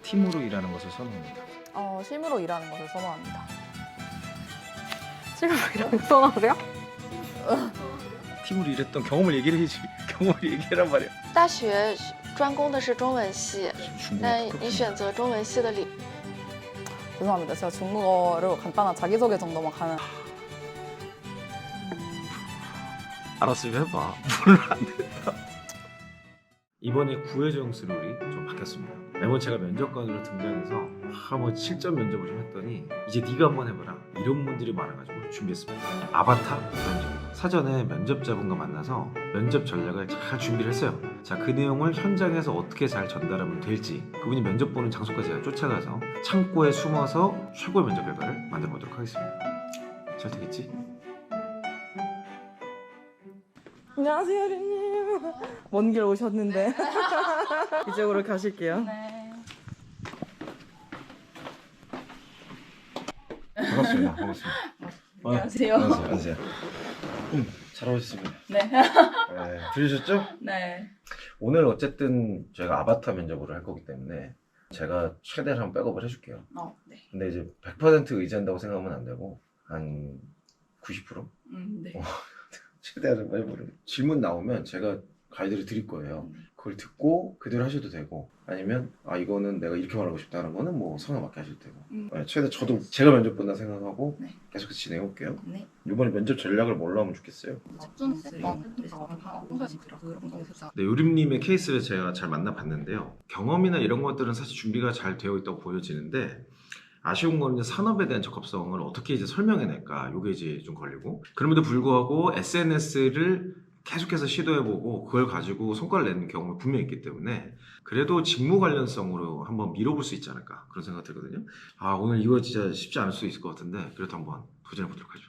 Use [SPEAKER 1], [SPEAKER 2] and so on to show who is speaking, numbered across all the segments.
[SPEAKER 1] 팀으로 일하는 것을 선호합니다.
[SPEAKER 2] 실무로 일하는 것을 선호합니다.
[SPEAKER 3] 실무 이런 거 선호하세요?
[SPEAKER 1] 팀으로 일했던 경험을 얘기를 해야지. 경험을 얘기하란 말이야.
[SPEAKER 4] 大学专攻的是中文系，
[SPEAKER 1] 중국어
[SPEAKER 4] 但你选择中文系的理，
[SPEAKER 2] 죄송합니다. 제가 중국어로 간단한 자기소개 정도만 가능.
[SPEAKER 1] 알았으면 해봐. 물론 안 된다. 이번에 구혜정스 룰이 좀 바뀌었습니다. 매번 제가 면접관으로 등장해서 한번 실전 면접을 좀 했더니 이제 네가 한번 해봐라 이런 분들이 많아가지고 준비했습니다. 아바타 면접. 사전에 면접자분과 만나서 면접 전략을 잘 준비를 했어요. 자, 그 내용을 현장에서 어떻게 잘 전달하면 될지 그분이 면접 보는 장소까지 제가 쫓아가서 창고에 숨어서 최고의 면접 결과를 만들어 보도록 하겠습니다. 잘 되겠지?
[SPEAKER 2] 안녕하세요, 류님. 먼 길 오셨는데. 이쪽으로 가실게요.
[SPEAKER 4] 네.
[SPEAKER 1] 반갑습니다. 반갑습니다.
[SPEAKER 2] 안녕하세요.
[SPEAKER 1] 안녕하세요. 잘 오셨습니다.
[SPEAKER 2] 네.
[SPEAKER 1] 네, 들으셨죠?
[SPEAKER 2] 네.
[SPEAKER 1] 오늘 어쨌든 저희가 아바타 면접을 할 거기 때문에 제가 최대한 한번 백업을 해줄게요.
[SPEAKER 2] 네.
[SPEAKER 1] 근데 이제 100% 의지한다고 생각하면 안 되고 한 90%?
[SPEAKER 2] 네.
[SPEAKER 1] 최대한 한번 해보는. 질문 나오면 제가 가이드를 드릴 거예요. 그걸 듣고 그대로 하셔도 되고 아니면 아 이거는 내가 이렇게 말하고 싶다는 거는 뭐 상황 맞게 하셔도 되고 네, 최대 저도 제가 면접 본다 생각하고
[SPEAKER 2] 네.
[SPEAKER 1] 계속 진행해 볼게요.
[SPEAKER 2] 네.
[SPEAKER 1] 이번에 면접 전략을 뭘로 하면 좋겠어요? 네, 요림님의 케이스를 제가 잘 만나봤는데요. 경험이나 이런 것들은 사실 준비가 잘 되어 있다고 보여지는데 아쉬운 거는 이제 산업에 대한 적합성을 어떻게 이제 설명해낼까 이게 이제 좀 걸리고 그럼에도 불구하고 SNS를 계속해서 시도해보고 그걸 가지고 성과를 내는 경험이 분명히 있기 때문에 그래도 직무 관련성으로 한번 밀어볼 수 있지 않을까 그런 생각 들거든요. 아 오늘 이거 진짜 쉽지 않을 수 있을 것 같은데 그래도 한번 도전해보도록 하죠.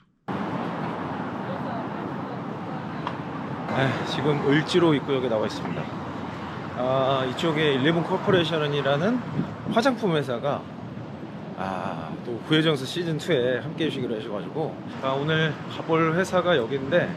[SPEAKER 1] 네, 지금 을지로 입구역에 나와 있습니다. 이쪽에 11 코퍼레이션이라는 화장품 회사가 또 구혜정스 시즌2에 함께 해주시기로 하셔가지고 오늘 가볼 회사가 여기인데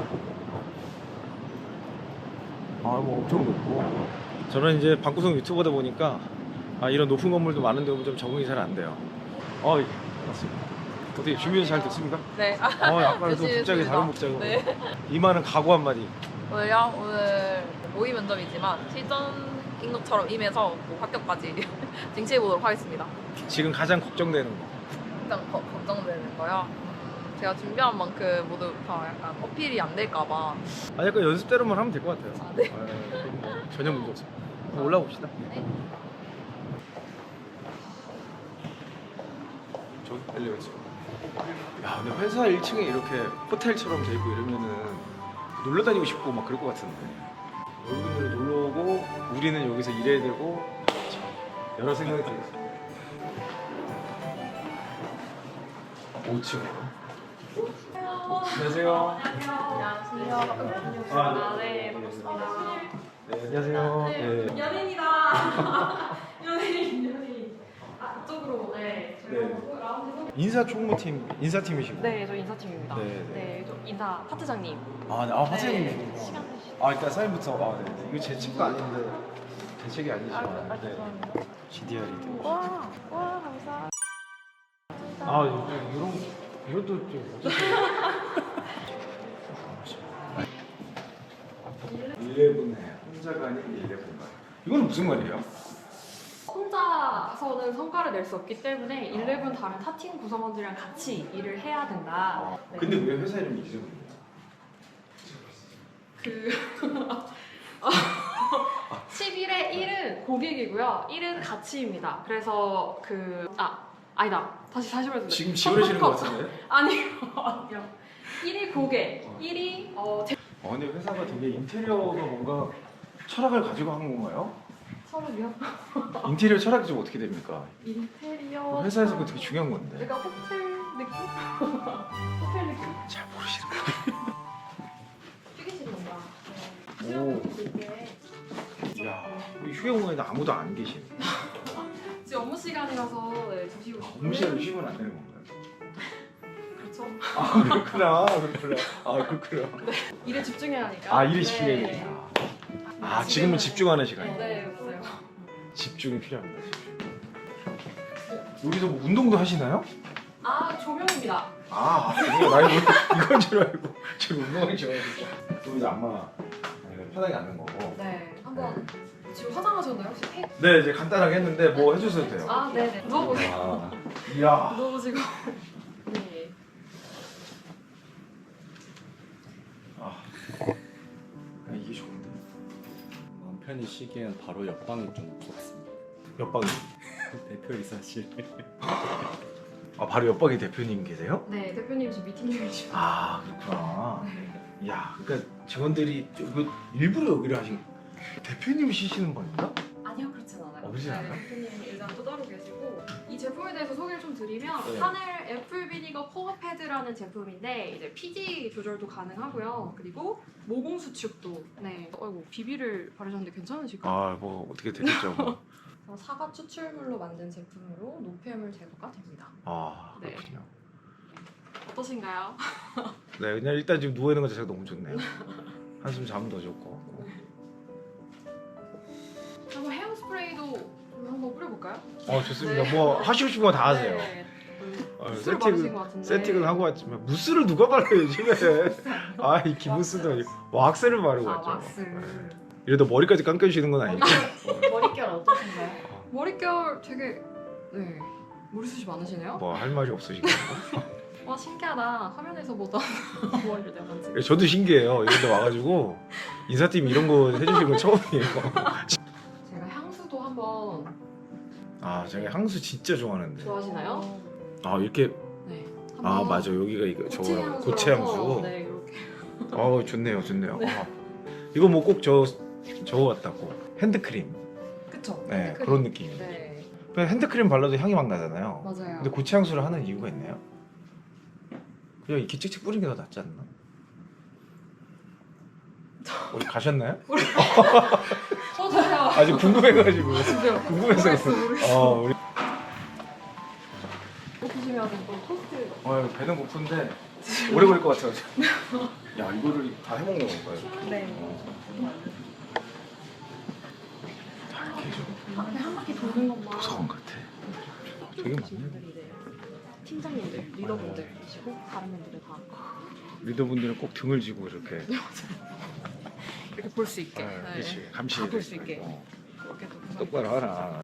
[SPEAKER 1] 뭐 엄청 높고 저는 이제 방구석 유튜버다 보니까 이런 높은 건물도 많은데 오면 좀 적응이 잘 안 돼요. 맞습니다. 어떻게 준비는 잘 됐습니까?
[SPEAKER 4] 네.
[SPEAKER 1] 아까는 또
[SPEAKER 4] 열심히
[SPEAKER 1] 갑자기
[SPEAKER 4] 했습니다.
[SPEAKER 1] 다른 목적으로
[SPEAKER 4] 네.
[SPEAKER 1] 이만은 각오 한마디.
[SPEAKER 4] 오늘요? 오늘 모의 면접이지만 실전인 것처럼 임해서 뭐 합격까지 쟁취해 보도록 하겠습니다.
[SPEAKER 1] 지금 가장 걱정되는 거.
[SPEAKER 4] 일단 걱정되는 거요. 제가 준비한 만큼 모두 다 약간 어필이 안 될까봐.
[SPEAKER 1] 약간 연습대로만 하면 될 것 같아요.
[SPEAKER 4] 네.
[SPEAKER 1] 그럼 뭐 전혀 문제 없습니다. 한번 올라봅시다.
[SPEAKER 4] 네.
[SPEAKER 1] 저기 엘리베이터. 야, 근데 회사 1층에 이렇게 호텔처럼 돼 있고 이러면은 놀러 다니고 싶고 막 그럴 것 같은데. 여기는 놀러 오고 우리는 여기서 일해야 되고 참, 여러 생각이 들었어요. 5층. 안녕하세요.
[SPEAKER 4] 안녕하세요.
[SPEAKER 3] 네, 반갑습니다.
[SPEAKER 1] 네, 안녕하세요. 네.
[SPEAKER 3] 연예인이다. 연예인. 이쪽으로 네.
[SPEAKER 1] 인사팀이시고.
[SPEAKER 3] 네, 저 인사팀입니다.
[SPEAKER 1] 네,
[SPEAKER 3] 네,
[SPEAKER 1] 네.
[SPEAKER 3] 저 인사 파트장님.
[SPEAKER 1] 화장님이시고.
[SPEAKER 3] 네, 시간 되시죠?
[SPEAKER 1] 일단 사인부터. 네. 이거 제 책도 아닌데 제 책이 아니지만. 네.
[SPEAKER 3] 죄송합니다.
[SPEAKER 1] GDR이.
[SPEAKER 3] 와, 감사합니다.
[SPEAKER 1] 이것도 좀 어떻게 11해 혼자가 아닌 11말. 이거는 무슨 말이에요?
[SPEAKER 3] 혼자서는 성과를 낼 수 없기 때문에 11 다른 타팀 구성원들이랑 같이 일을 해야 된다. 네.
[SPEAKER 1] 근데 왜 회사 이름이 이름이에요?
[SPEAKER 3] 그 11의 1은 고객이고요. 1은 가치입니다. 그래서 아니다. 다시 말씀드릴게요.
[SPEAKER 1] 지금 지원하시는 것 같은데?
[SPEAKER 3] 아니요. 1이 고객, 1이
[SPEAKER 1] 근데 회사가 되게 인테리어가 뭔가 철학을 가지고 하는 건가요?
[SPEAKER 3] 서울이요?
[SPEAKER 1] 인테리어 철학이 좀 어떻게 됩니까?
[SPEAKER 3] 인테리어
[SPEAKER 1] 회사에서 그거 되게 중요한 건데.
[SPEAKER 3] 약간 호텔 느낌? 호텔 느낌?
[SPEAKER 1] 잘 모르시는 거예요.
[SPEAKER 3] 휴게실 뭔가
[SPEAKER 1] 오. 이야, 휴게 공간에 아무도 안 계시네.
[SPEAKER 3] 지금 업무 시간이라서 네, 드시고
[SPEAKER 1] 업무 시간에 쉬면 안 되는 건가요?
[SPEAKER 3] 그렇죠.
[SPEAKER 1] 그렇구나.
[SPEAKER 3] 일에 집중해야 하니까.
[SPEAKER 1] 일에 집중해야 되니까. 지금은 집중하는 시간이에요.
[SPEAKER 3] 네, 맞아요.
[SPEAKER 1] 집중이 필요합니다. 집중. 여기서 뭐 운동도 하시나요?
[SPEAKER 3] 아, 조명입니다.
[SPEAKER 1] 아, 나 이건 줄 알고 지금 운동하기 좋아했죠. 그럼 이제 안마 편하게 앉는 거고.
[SPEAKER 3] 네, 한번 지금 화장하셨나요? 혹시 테이프?
[SPEAKER 1] 네, 이제 간단하게 했는데 뭐 해주셔도 돼요.
[SPEAKER 3] 아, 네네. 누워보세요.
[SPEAKER 1] 아, 이야.
[SPEAKER 3] 누워보시고. 네.
[SPEAKER 1] 아, 이게 좋은데.
[SPEAKER 5] 마음 편히 쉬기엔 바로 옆방이 좀 좋습니다.
[SPEAKER 1] 옆방이.
[SPEAKER 5] 대표이사실.
[SPEAKER 1] 아, 바로 옆방에 대표님 계세요?
[SPEAKER 3] 네, 대표님 지금 미팅 중이시고.
[SPEAKER 1] 아, 그렇구나.
[SPEAKER 3] 네.
[SPEAKER 1] 야, 그러니까 직원들이 일부러 여기를 하신. 대표님이 쉬시는 겁니까?
[SPEAKER 3] 아니요, 그렇진 않아요.
[SPEAKER 1] 그렇진 않아요?
[SPEAKER 3] 대표님 일단 또 따로 계시고 이 제품에 대해서 소개를 좀 드리면
[SPEAKER 1] 네.
[SPEAKER 3] 하넬 애플 비니거 코어 패드라는 제품인데 이제 피지 조절도 가능하고요. 그리고 모공 수축도. 네. 어이구 비비를 바르셨는데 괜찮으실까요?
[SPEAKER 1] 아, 뭐 어떻게 되겠죠, 뭐.
[SPEAKER 3] 사과 추출물로 만든 제품으로 노폐물 제거가 됩니다.
[SPEAKER 1] 아,
[SPEAKER 3] 네.
[SPEAKER 1] 그렇군요.
[SPEAKER 3] 어떠신가요?
[SPEAKER 1] 네, 그냥 일단 지금 누워 있는 것 자체가 너무 좋네요. 한숨 자면 더 좋을 것 같고.
[SPEAKER 3] 한번 헤어스프레이도 한번 뿌려볼까요?
[SPEAKER 1] 좋습니다.
[SPEAKER 3] 네.
[SPEAKER 1] 뭐 하시고 싶은 거 다 하세요.
[SPEAKER 3] 네.
[SPEAKER 1] 세팅은
[SPEAKER 3] 무스를 바르신 것 같은데.
[SPEAKER 1] 세팅은 하고 왔지만 무스를 누가 발라요 요즘에? 아, 이 기무스도 아니고 왁스를 바르고 왔죠.
[SPEAKER 3] 왁스.
[SPEAKER 1] 네. 이래도 머리까지 감겨주시는 건 아니죠?
[SPEAKER 3] 머릿결 어떠신가요? 머릿결 되게 네 머리숱이 많으시네요.
[SPEAKER 1] 뭐 할 말이 없으시고.
[SPEAKER 3] 와 신기하다. 화면에서보다 머리를 내가 만지.
[SPEAKER 1] 저도 신기해요. 이런데 와가지고 인사팀 이런 거 해주신 건 처음이에요.
[SPEAKER 3] 제가 향수도 한번
[SPEAKER 1] 아, 제가 향수 진짜 좋아하는데.
[SPEAKER 3] 좋아하시나요?
[SPEAKER 1] 아, 이렇게.
[SPEAKER 3] 네.
[SPEAKER 1] 아, 맞아. 여기가 이거 저거라고 고체 향수.
[SPEAKER 3] 네 이렇게.
[SPEAKER 1] 좋네요, 좋네요.
[SPEAKER 3] 네.
[SPEAKER 1] 이거 뭐 꼭 저거 같다고. 핸드크림.
[SPEAKER 3] 그쵸.
[SPEAKER 1] 네,
[SPEAKER 3] 핸드크림.
[SPEAKER 1] 그런 느낌이에요.
[SPEAKER 3] 네
[SPEAKER 1] 그냥 핸드크림 발라도 향이 막 나잖아요.
[SPEAKER 3] 맞아요.
[SPEAKER 1] 근데 고체 향수를 하는 이유가 있나요? 그냥 이렇게 찍찍 뿌리는 게 더 낫지 않나? 어디 가셨나요?
[SPEAKER 3] 저요.
[SPEAKER 1] 아직 궁금해가지고.
[SPEAKER 3] 진짜요.
[SPEAKER 1] 궁금해서. 우리.
[SPEAKER 3] 보시면 또 토스트.
[SPEAKER 1] 배는 고픈데 오래 걸릴 것 같아요. 야, 이거를 다 해먹는 건가요?
[SPEAKER 3] 네.
[SPEAKER 1] 다 이렇게 좀
[SPEAKER 3] 앞에 한 바퀴 도는 것만.
[SPEAKER 1] 도서관 같아. 되게 많네.
[SPEAKER 3] 분들이 이제 팀장님들, 리더분들이시고 다른 분들은 다
[SPEAKER 1] 리더분들은 꼭 등을 지고 이렇게.
[SPEAKER 3] 이렇게 볼 수 있게.
[SPEAKER 1] 그렇지. 감시.
[SPEAKER 3] 다 볼 수 있게.
[SPEAKER 1] 어,
[SPEAKER 3] 이렇게 또
[SPEAKER 1] 똑바로 하라.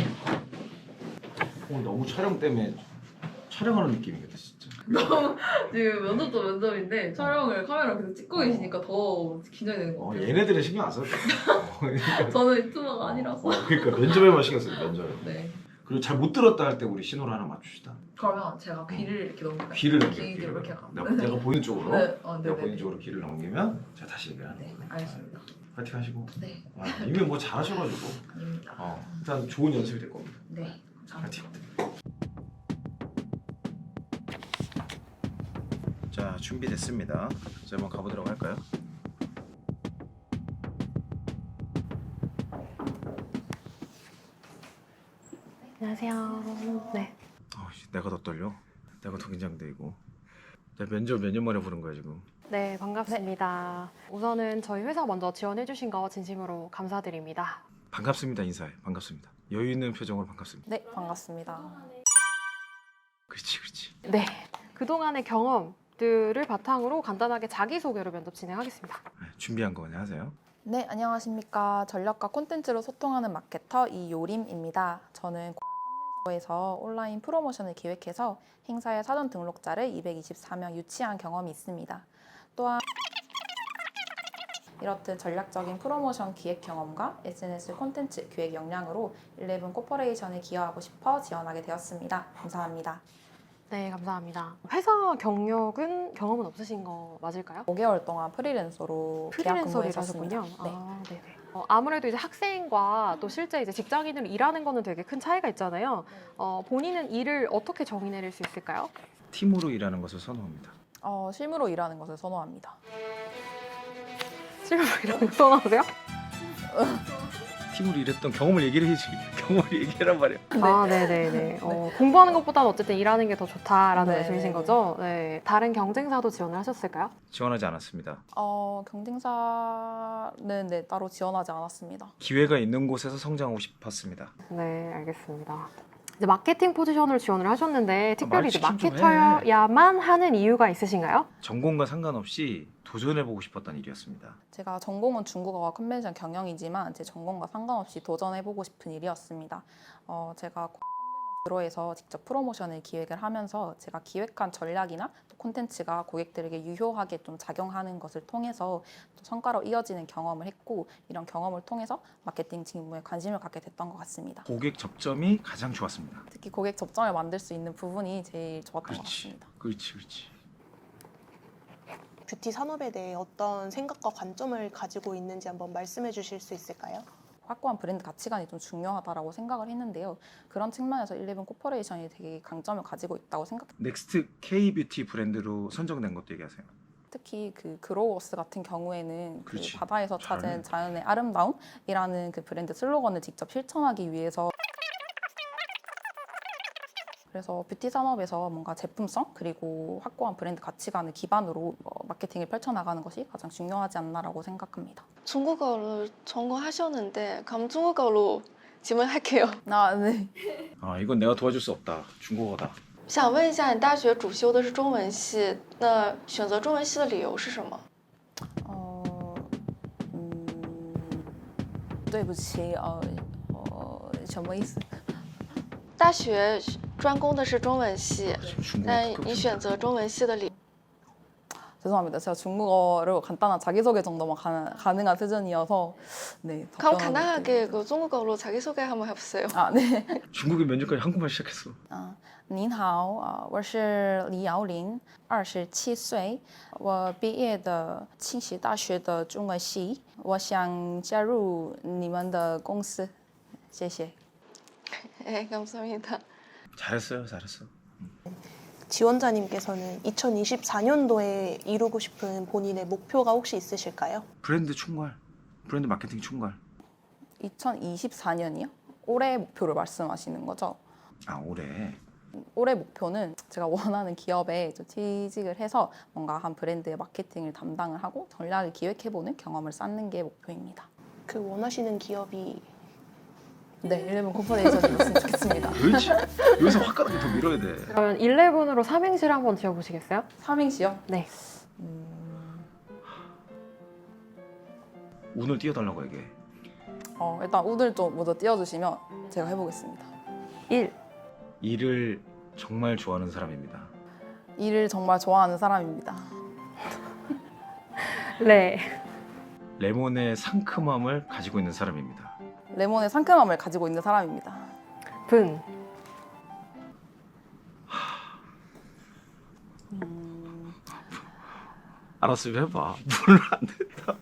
[SPEAKER 1] 오늘 너무 촬영 때문에 촬영하는 느낌이겠다 진짜.
[SPEAKER 4] 지금 면접도 면접인데 촬영을 카메라 계속 찍고 계시니까 더 긴장이 되는 것 같아요.
[SPEAKER 1] 얘네들은 신경 안 써도 돼.
[SPEAKER 4] 저는 유튜버가 아니라서.
[SPEAKER 1] 그러니까 면접에만 신경 써요. 면접에.
[SPEAKER 4] 네.
[SPEAKER 1] 그리고 잘 못 들었다 할 때 우리 신호를 하나 맞춥시다.
[SPEAKER 4] 그러면 제가 귀를 이렇게 넘길까요?
[SPEAKER 1] 귀를 넘겨.
[SPEAKER 4] 귀를 이렇게 하고.
[SPEAKER 1] 내가 보이는 쪽으로.
[SPEAKER 4] 네.
[SPEAKER 1] 내가
[SPEAKER 4] 네네.
[SPEAKER 1] 보이는 쪽으로 귀를 넘기면 제가 다시 얘기를 하는
[SPEAKER 4] 네,
[SPEAKER 1] 거예요.
[SPEAKER 4] 알겠습니다.
[SPEAKER 1] 파이팅 하시고.
[SPEAKER 4] 네,
[SPEAKER 1] 이미 뭐 잘하셔가지고.
[SPEAKER 4] 아닙니다.
[SPEAKER 1] 일단 좋은 연습이 될 겁니다.
[SPEAKER 4] 네,
[SPEAKER 1] 파이팅.
[SPEAKER 4] 감사합니다.
[SPEAKER 1] 자, 준비됐습니다. 자, 한번 가보도록 할까요?
[SPEAKER 3] 안녕하세요. 네.
[SPEAKER 1] 내가 더 떨려. 내가 더 긴장되고. 나 면접 몇 년 만에 보는 거야 지금.
[SPEAKER 6] 네, 반갑습니다. 우선은 저희 회사 먼저 지원해주신 거 진심으로 감사드립니다.
[SPEAKER 1] 반갑습니다 인사해. 반갑습니다. 여유 있는 표정으로 반갑습니다.
[SPEAKER 2] 네, 반갑습니다.
[SPEAKER 1] 그렇지, 그렇지.
[SPEAKER 6] 네, 그동안의 경험들을 바탕으로 간단하게 자기소개로 면접 진행하겠습니다.
[SPEAKER 1] 네, 준비한 거 그냥 하세요.
[SPEAKER 2] 네, 안녕하십니까. 전략과 콘텐츠로 소통하는 마케터 이요림입니다. 저는 에서 온라인 프로모션을 기획해서 행사의 사전 등록자를 224명 유치한 경험이 있습니다. 또한 이렇듯 전략적인 프로모션 기획 경험과 SNS 콘텐츠 기획 역량으로 11 코퍼레이션에 기여하고 싶어 지원하게 되었습니다. 감사합니다.
[SPEAKER 6] 네, 감사합니다. 회사 경험은 없으신 거 맞을까요?
[SPEAKER 2] 5개월 동안 프리랜서로 계약
[SPEAKER 6] 프리랜서를
[SPEAKER 2] 근무했었습니다.
[SPEAKER 6] 하셨군요.
[SPEAKER 2] 네.
[SPEAKER 6] 아, 네네. 아무래도 이제 학생과 또 실제 이제 직장인으로 일하는 거는 되게 큰 차이가 있잖아요. 본인은 일을 어떻게 정의 내릴 수 있을까요?
[SPEAKER 1] 팀으로 일하는 것을 선호합니다.
[SPEAKER 2] 실무로 일하는 것을 선호합니다.
[SPEAKER 6] 실무 이런 거 선호하세요?
[SPEAKER 1] 팀으로 일했던 경험을 얘기를 해야지. 경험을 얘기하란 말이야.
[SPEAKER 6] 아, 네네네. 공부하는 것보다는 어쨌든 일하는 게 더 좋다라는
[SPEAKER 2] 네.
[SPEAKER 6] 말씀이신 거죠? 네. 다른 경쟁사도 지원을 하셨을까요?
[SPEAKER 1] 지원하지 않았습니다.
[SPEAKER 2] 경쟁사는 네, 따로 지원하지 않았습니다.
[SPEAKER 1] 기회가 있는 곳에서 성장하고 싶었습니다.
[SPEAKER 6] 네, 알겠습니다. 이제 마케팅 포지션을 지원을 하셨는데 특별히 이제
[SPEAKER 1] 말 시키면 좀
[SPEAKER 6] 마케터야만 하는 이유가 있으신가요?
[SPEAKER 1] 전공과 상관없이 도전해보고 싶었던 일이었습니다.
[SPEAKER 2] 제가 전공은 중국어와 컨벤션 경영이지만 제 전공과 상관없이 도전해보고 싶은 일이었습니다. 제가 뷰로에서 직접 프로모션을 기획을 하면서 제가 기획한 전략이나 또 콘텐츠가 고객들에게 유효하게 좀 작용하는 것을 통해서 또 성과로 이어지는 경험을 했고 이런 경험을 통해서 마케팅 직무에 관심을 갖게 됐던 것 같습니다.
[SPEAKER 1] 고객 접점이 가장 좋았습니다.
[SPEAKER 2] 특히 고객 접점을 만들 수 있는 부분이 제일 좋았던 것 같습니다.
[SPEAKER 1] 그렇지.
[SPEAKER 7] 뷰티 산업에 대해 어떤 생각과 관점을 가지고 있는지 한번 말씀해 주실 수 있을까요?
[SPEAKER 2] 확고한 브랜드 가치관이 좀 중요하다고 생각을 했는데요. 그런 측면에서 11 코퍼레이션이 되게 강점을 가지고 있다고 생각해요.
[SPEAKER 1] 넥스트 K-뷰티 브랜드로 선정된 것도 얘기하세요.
[SPEAKER 2] 특히 그 그로워스 같은 경우에는 그
[SPEAKER 1] 그렇지.
[SPEAKER 2] 바다에서
[SPEAKER 1] 잘하네.
[SPEAKER 2] 찾은 자연의 아름다움이라는 그 브랜드 슬로건을 직접 실천하기 위해서 그래서 뷰티 산업에서 뭔가 제품성 그리고 확고한 브랜드 가치관을 기반으로 마케팅을 펼쳐나가는 것이 가장 중요하지 않나라고 생각합니다.
[SPEAKER 8] 중국어를 전공하셨는데 그럼 중국어로 질문할게요.
[SPEAKER 2] 네.
[SPEAKER 1] 아 이건 내가 도와줄 수 없다. 중국어다.
[SPEAKER 8] 想问一下，你大学主修的是中文系，那选择中文系的理由是什么？
[SPEAKER 2] 对不起，什么意思？
[SPEAKER 8] 大学专攻的是中文系，
[SPEAKER 1] 중국어.
[SPEAKER 8] 但你选择中文系的理由？
[SPEAKER 2] 죄송합니다. 제가 중국어로 간단한 자기소개 정도만 가능한 수준이어서 네.
[SPEAKER 8] 그럼
[SPEAKER 2] 답변을
[SPEAKER 8] 간단하게 그 중국어로 자기소개 한번 해보세요.
[SPEAKER 2] 네.
[SPEAKER 1] 중국인 면접까지 한국말 시작했어.
[SPEAKER 2] 您好，我是李瑶林，27岁，我毕业的清溪大学的中文系，我想加入你们的公司，谢谢。
[SPEAKER 8] 네, 감사합니다.
[SPEAKER 1] 잘했어.
[SPEAKER 7] 지원자님께서는 2024년도에 이루고 싶은 본인의 목표가 혹시 있으실까요?
[SPEAKER 1] 브랜드 총괄, 브랜드 마케팅 총괄.
[SPEAKER 2] 2024년이요? 올해 목표를 말씀하시는 거죠?
[SPEAKER 1] 아 올해.
[SPEAKER 2] 올해 목표는 제가 원하는 기업에 좀 취직을 해서 뭔가 한 브랜드의 마케팅을 담당을 하고 전략을 기획해보는 경험을 쌓는 게 목표입니다.
[SPEAKER 7] 그 원하시는 기업이
[SPEAKER 2] 네, 11 코퍼레이션이었으면 좋겠습니다.
[SPEAKER 1] 그렇지. 여기서 화끈하게 더 밀어야 돼.
[SPEAKER 6] 그러면 11으로 삼행시를 한번 지어보시겠어요?
[SPEAKER 2] 삼행시요?
[SPEAKER 6] 네.
[SPEAKER 1] 운을 띄워달라고 얘기해.
[SPEAKER 2] 일단 오늘 좀 먼저 띄워주시면 제가 해보겠습니다.
[SPEAKER 6] 1.
[SPEAKER 1] 일을 정말 좋아하는 사람입니다.
[SPEAKER 2] 일을 정말 좋아하는 사람입니다.
[SPEAKER 6] 네.
[SPEAKER 1] 레몬의 상큼함을 가지고 있는 사람입니다.
[SPEAKER 2] 레몬의 상큼함을 가지고 있는 사람입니다.
[SPEAKER 6] 분.
[SPEAKER 1] 알았으면 해봐. 물론 안 된다.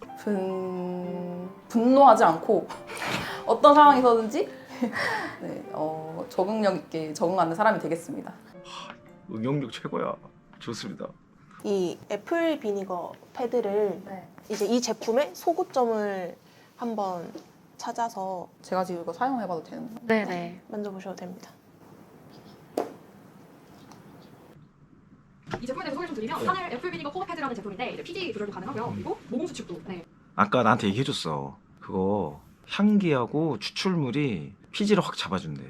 [SPEAKER 2] 분노하지 않고 어떤 상황에서든지 네, 적응력 있게 적응하는 사람이 되겠습니다.
[SPEAKER 1] 응용력 최고야. 좋습니다.
[SPEAKER 7] 이 애플 비니거 패드를 이제 이 제품의 소구점을 한번 찾아서
[SPEAKER 2] 제가 지금 이거 사용해봐도 되는 거예요?
[SPEAKER 6] 네네.
[SPEAKER 7] 만져보셔도 됩니다.
[SPEAKER 3] 이 제품에 대해서 소개 좀 드리면 하늘 애플 비니거 코어 패드라는 제품인데 이제 피지 조절도 가능하고요. 그리고 모공 수축도. 네.
[SPEAKER 1] 아까 나한테 얘기해줬어. 그거 향기하고 추출물이 피지를 확 잡아준대.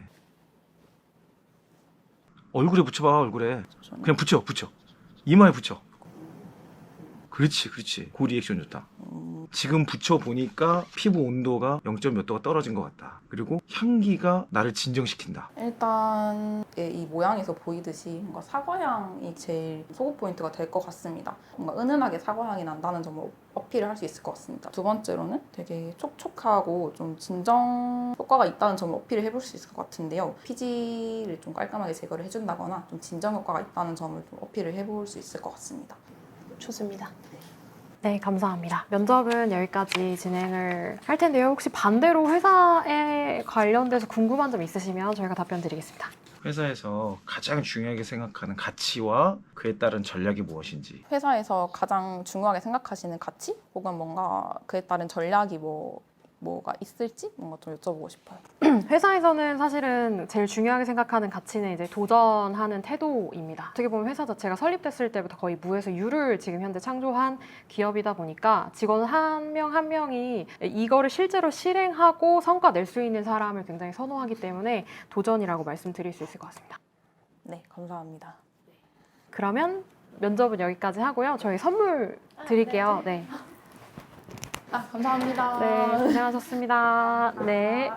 [SPEAKER 1] 얼굴에 붙여봐. 얼굴에. 그냥 붙여. 이마에 붙여. 그렇지. 그 리액션 좋다. 지금 붙여보니까 피부 온도가 0. 몇 도가 떨어진 것 같다. 그리고 향기가 나를 진정시킨다.
[SPEAKER 2] 일단 이 모양에서 보이듯이 뭔가 사과향이 제일 소구 포인트가 될 것 같습니다. 뭔가 은은하게 사과향이 난다는 점을 어필을 할 수 있을 것 같습니다. 두 번째로는 되게 촉촉하고 좀 진정 효과가 있다는 점을 어필을 해볼 수 있을 것 같은데요. 피지를 좀 깔끔하게 제거를 해준다거나 좀 진정 효과가 있다는 점을 좀 어필을 해볼 수 있을 것 같습니다.
[SPEAKER 7] 좋습니다.
[SPEAKER 6] 네, 감사합니다. 면접은 여기까지 진행을 할 텐데요. 혹시 반대로 회사에 관련돼서 궁금한 점 있으시면 저희가 답변 드리겠습니다.
[SPEAKER 1] 회사에서 가장 중요하게 생각하는 가치와 그에 따른 전략이 무엇인지.
[SPEAKER 2] 회사에서 가장 중요하게 생각하시는 가치 혹은 뭔가 그에 따른 전략이 뭐가 있을지 뭔가 좀 여쭤보고 싶어요.
[SPEAKER 6] 회사에서는 사실은 제일 중요하게 생각하는 가치는 이제 도전하는 태도입니다. 어떻게 보면 회사 자체가 설립됐을 때부터 거의 무에서 유를 지금 현재 창조한 기업이다 보니까 직원 한 명 한 명이 이거를 실제로 실행하고 성과 낼 수 있는 사람을 굉장히 선호하기 때문에 도전이라고 말씀드릴 수 있을 것 같습니다.
[SPEAKER 2] 네, 감사합니다.
[SPEAKER 6] 그러면 면접은 여기까지 하고요. 저희 선물 드릴게요. 네.
[SPEAKER 2] 아, 감사합니다.
[SPEAKER 6] 네, 고생하셨습니다. 네.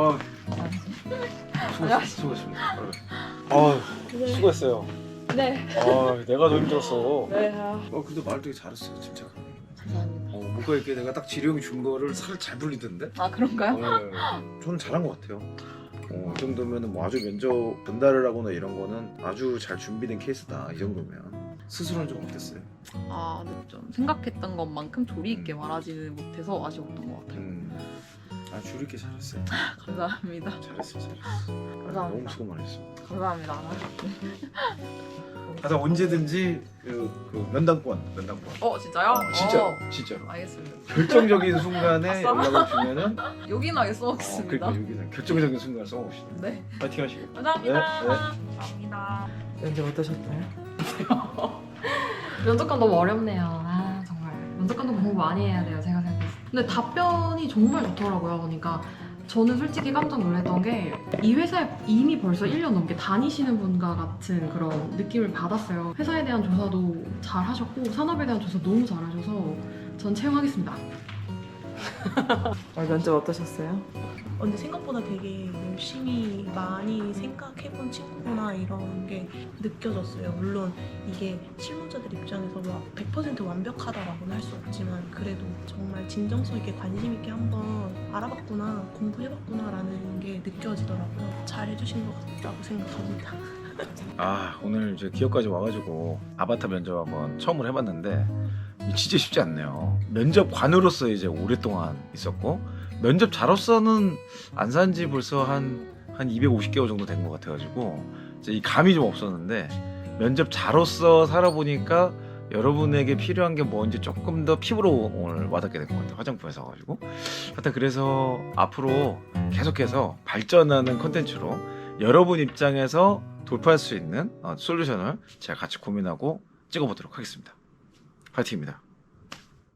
[SPEAKER 1] 수고했습니다. 수고했어요.
[SPEAKER 4] 네.
[SPEAKER 1] 내가 더 힘들었어.
[SPEAKER 4] 네.
[SPEAKER 1] 근데 말 되게 잘했어요, 진짜.
[SPEAKER 4] 감사합니다.
[SPEAKER 1] 뭔가 이렇게 내가 딱 지령 준 거를 살을 잘 불리던데?
[SPEAKER 4] 아 그런가요?
[SPEAKER 1] 저는 잘한 것 같아요. 이 정도면 뭐 아주 면접 전달을 하거나 이런 거는 아주 잘 준비된 케이스다. 이 정도면 스스로는 좀 어땠어요?
[SPEAKER 4] 아, 근데 좀 생각했던 것만큼 조리 있게 말하지는 못해서 아쉬웠던 것 같아요.
[SPEAKER 1] 주리 있게 잘했어요.
[SPEAKER 4] 감사합니다.
[SPEAKER 1] 잘했어.
[SPEAKER 4] 감사합니다.
[SPEAKER 1] 너무 수고 많았어.
[SPEAKER 4] 감사합니다.
[SPEAKER 1] 하여튼 언제든지 그 면담권.
[SPEAKER 4] 진짜요?
[SPEAKER 1] 진짜로.
[SPEAKER 4] 알겠습니다.
[SPEAKER 1] 결정적인 순간에
[SPEAKER 4] 아싸.
[SPEAKER 1] 연락을 주면은
[SPEAKER 4] 요긴하게 써먹겠습니다.
[SPEAKER 1] 그러니까 여기서 결정적인 순간을 써봅시다.
[SPEAKER 4] 네.
[SPEAKER 1] 파이팅 하시고.
[SPEAKER 4] 감사합니다.
[SPEAKER 1] 네.
[SPEAKER 4] 감사합니다.
[SPEAKER 9] 면접 어떠셨나요?
[SPEAKER 6] 면접관 너무 어렵네요. 아, 정말. 면접관도 공부 많이 해야 돼요, 제가 생각했을 때. 근데 답변이 정말 좋더라고요. 그러니까 저는 솔직히 깜짝 놀랐던 게 이 회사에 이미 벌써 1년 넘게 다니시는 분과 같은 그런 느낌을 받았어요. 회사에 대한 조사도 잘 하셨고 산업에 대한 조사 너무 잘 하셔서 전 채용하겠습니다.
[SPEAKER 9] 면접 어떠셨어요?
[SPEAKER 7] 근데 생각보다 되게 열심히 많이 생각해본 친구구나 이런 게 느껴졌어요. 물론 이게 실무자들 입장에서 막 100% 완벽하다라고는 할 수 없지만 그래도 정말 진정성 있게 관심 있게 한번 알아봤구나, 공부해봤구나라는 게 느껴지더라고요. 잘 해주신 것 같다고 생각합니다.
[SPEAKER 1] 오늘 이제 기업까지 와가지고 아바타 면접 한번 처음으로 해봤는데 진짜 쉽지 않네요. 면접관으로서 이제 오랫동안 있었고 면접자로서는 안 산 지 벌써 한 250개월 정도 된 것 같아가지고 이제 이 감이 좀 없었는데 면접자로서 살아보니까 여러분에게 필요한 게 뭔지 조금 더 피부로 오늘 와닿게 된 것 같아요. 화장품에서 가지고 하여튼 그래서 앞으로 계속해서 발전하는 콘텐츠로 여러분 입장에서 돌파할 수 있는 솔루션을 제가 같이 고민하고 찍어보도록 하겠습니다. 파이팅입니다.